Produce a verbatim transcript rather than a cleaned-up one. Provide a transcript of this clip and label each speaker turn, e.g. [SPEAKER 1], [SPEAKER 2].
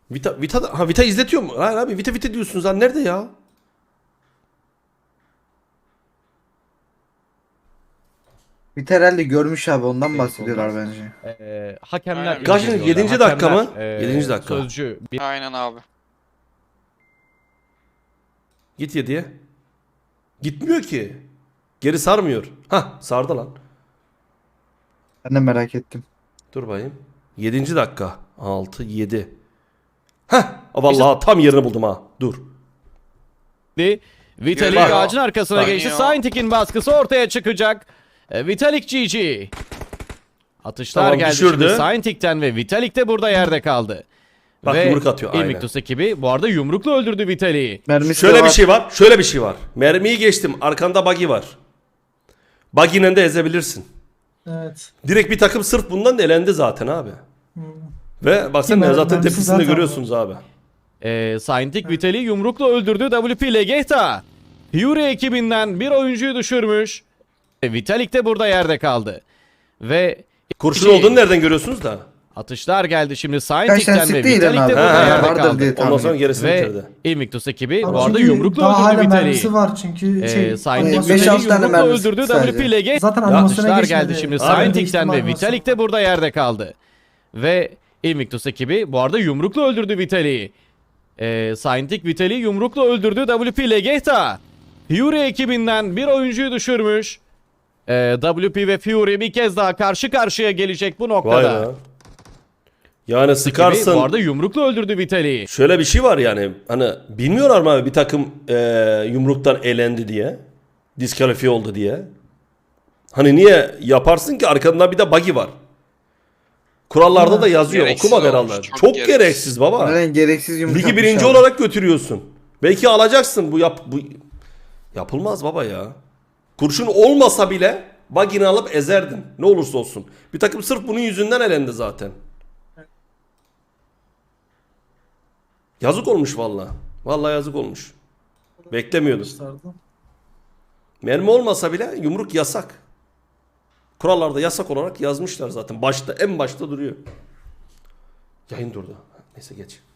[SPEAKER 1] Vita, Vita, ha Vita izletiyor mu? Hayır abi Vita Vita diyorsunuz lan nerede ya?
[SPEAKER 2] Bir herhalde görmüş abi, ondan bahsediyorlar bence.
[SPEAKER 3] Ee, hakemler...
[SPEAKER 4] Aynen.
[SPEAKER 1] Kaçıncı?
[SPEAKER 3] inceliyorlar.
[SPEAKER 1] Yedinci dakika mı?
[SPEAKER 3] Hakemler, e,
[SPEAKER 1] Yedinci dakika.
[SPEAKER 3] Sözcü bir
[SPEAKER 4] Aynen abi.
[SPEAKER 1] Git yediye. Gitmiyor ki. Geri sarmıyor. Hah sardı lan.
[SPEAKER 2] Ben de merak ettim.
[SPEAKER 1] Dur bayım. Yedinci dakika. Altı yedi. Heh. Vallahi tam yerini buldum ha. Dur.
[SPEAKER 3] Vitalik
[SPEAKER 4] Bak.
[SPEAKER 3] ağacın arkasına
[SPEAKER 4] Bak.
[SPEAKER 3] geçti.
[SPEAKER 4] Ya.
[SPEAKER 3] Saintik'in baskısı ortaya çıkacak. E, Vitalik G G. Atışlar
[SPEAKER 1] Tamam,
[SPEAKER 3] geldi
[SPEAKER 1] düşürdü.
[SPEAKER 3] şimdi Saintik'ten ve Vitalik de burada yerde kaldı.
[SPEAKER 1] Bak,
[SPEAKER 3] ve
[SPEAKER 1] yumruk atıyor, aynen.
[SPEAKER 3] Invictus ekibi bu arada yumrukla öldürdü Vitalik'i.
[SPEAKER 2] Mermisi
[SPEAKER 1] Şöyle
[SPEAKER 2] de
[SPEAKER 1] bir
[SPEAKER 2] var.
[SPEAKER 1] şey var. Şöyle bir şey var. Mermiyi geçtim. Arkanda buggy var. Buggy'yle de ezebilirsin.
[SPEAKER 5] Evet.
[SPEAKER 1] Direkt bir takım sırf bundan da elendi zaten abi. Ve baksana
[SPEAKER 5] Mer-
[SPEAKER 1] zaten
[SPEAKER 5] mermisi
[SPEAKER 1] tepkisini
[SPEAKER 5] zaten
[SPEAKER 1] görüyorsunuz abi.
[SPEAKER 3] E, Saintik Vitalik'i yumrukla öldürdü. W P Legehta Fury ekibinden bir oyuncuyu düşürmüş. E, Vitalik de burada yerde kaldı. Ve
[SPEAKER 1] Kurşun
[SPEAKER 3] iki-
[SPEAKER 1] olduğunu nereden görüyorsunuz da?
[SPEAKER 3] Atışlar geldi şimdi
[SPEAKER 2] Kaç tane
[SPEAKER 3] Saintik'ten ve
[SPEAKER 2] sıktı İlhan
[SPEAKER 3] Vitalik
[SPEAKER 2] abi?
[SPEAKER 3] de burada
[SPEAKER 1] Ha,
[SPEAKER 3] yerde
[SPEAKER 2] vardır
[SPEAKER 3] kaldı.
[SPEAKER 2] diye
[SPEAKER 1] Ondan
[SPEAKER 2] tahmin
[SPEAKER 1] sonra
[SPEAKER 2] ettim.
[SPEAKER 1] gerisini
[SPEAKER 3] Ve
[SPEAKER 1] bitirdi.
[SPEAKER 3] Invictus ekibi
[SPEAKER 5] Abi
[SPEAKER 3] bu arada
[SPEAKER 5] çünkü
[SPEAKER 3] yumrukla
[SPEAKER 5] daha hala
[SPEAKER 3] öldürdü
[SPEAKER 5] mermisi
[SPEAKER 3] Vitalik'i.
[SPEAKER 5] var çünkü
[SPEAKER 3] Ee,
[SPEAKER 5] şey.
[SPEAKER 3] Saintik
[SPEAKER 2] beş
[SPEAKER 3] Vitalik'i
[SPEAKER 2] altı tane
[SPEAKER 3] yumrukla
[SPEAKER 2] mermisi
[SPEAKER 3] öldürdü.
[SPEAKER 2] sadece.
[SPEAKER 3] W P Legehta
[SPEAKER 5] Zaten animasyona
[SPEAKER 3] atışlar
[SPEAKER 5] geçmedi.
[SPEAKER 3] geldi şimdi
[SPEAKER 5] Abi.
[SPEAKER 3] Saintik'ten ve
[SPEAKER 5] İhtimal
[SPEAKER 3] Vitalik de burada yerde kaldı. Ve Invictus ekibi bu arada yumrukla öldürdü Vitalik'i. Ee, Saintik Vitalik'i yumrukla öldürdü. W P Legehta Fury ekibinden bir oyuncuyu düşürmüş. Ee, W P ve Fury bir kez daha karşı karşıya gelecek bu
[SPEAKER 1] Vay
[SPEAKER 3] noktada.
[SPEAKER 1] be. Yani
[SPEAKER 3] Ekibi
[SPEAKER 1] sıkarsın.
[SPEAKER 3] bu arada yumrukla öldürdü Vitalik'i.
[SPEAKER 1] Şöyle bir şey var yani. Hani bilmiyorlar mı abi bir takım e, yumruktan elendi diye. Diskalifiye oldu diye. Hani niye yaparsın ki arkandan bir de buggy var. Kurallarda da yazıyor.
[SPEAKER 4] Gereksiz
[SPEAKER 1] Okuma
[SPEAKER 4] olmuş,
[SPEAKER 1] herhalde.
[SPEAKER 4] çok
[SPEAKER 1] Çok,
[SPEAKER 4] gereksiz.
[SPEAKER 1] gereksiz baba.
[SPEAKER 2] Neden gereksiz yumruk
[SPEAKER 1] Ligi
[SPEAKER 2] atmış
[SPEAKER 1] birinci
[SPEAKER 2] abi.
[SPEAKER 1] olarak götürüyorsun. Belki alacaksın bu yap bu yapılmaz baba ya. Kurşun olmasa bile buggy'ni alıp ezerdin. Ne olursa olsun. Bir takım sırf bunun yüzünden elendi zaten. Yazık olmuş vallahi. Vallahi yazık olmuş. Beklemiyordum.
[SPEAKER 5] Gösterdi.
[SPEAKER 1] Mermi olmasa bile yumruk yasak. Kurallarda yasak olarak yazmışlar zaten. Başta en başta duruyor. Yayın durdu. Neyse geç.